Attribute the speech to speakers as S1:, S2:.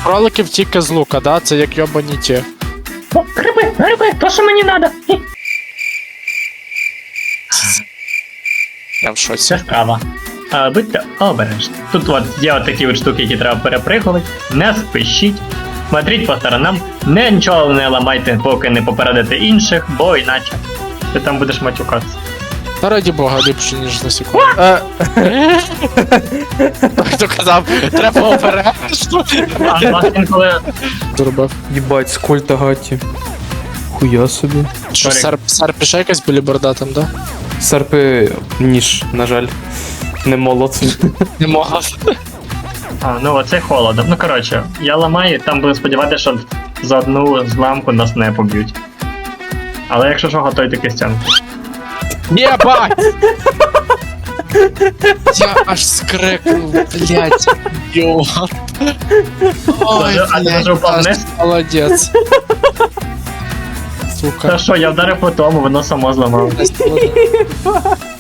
S1: кроликів тільки з лука, да? Це як йобані ті.
S2: О, гриби, то що мені надо.
S1: Я в шоці.
S2: Це справа. Будьте обережні. Тут от є от такі от штуки, які треба перепригувати. Не спішіть. Смотріть по сторонам. Нічого не ламайте, поки не попередите інших, бо іначе ти там будеш матюкатися.
S1: Та раді бога, ліпше, ніж на секунду. Хто казав, треба обережно.
S2: А вас інколи
S1: Зробив.
S3: Єбать, сколь гаті. Хуя собі.
S1: Що, серп ще якась були бордатим, да?
S3: Серпи ніж, на жаль. Не молод.
S1: Не могла.
S2: ну оце холодно. Ну коротше, я ламаю, там буду сподіватися, що за одну зламку нас не поб'ють. Але якщо що, готуйте кистянку.
S1: Єбать! Я аж скрикнув, блядь, йот. Ой,
S2: А ти вже впав вниз?
S1: молодець.
S2: Та
S1: Сука.
S2: що, я вдарив по тому, воно само зламало.
S1: Молодець.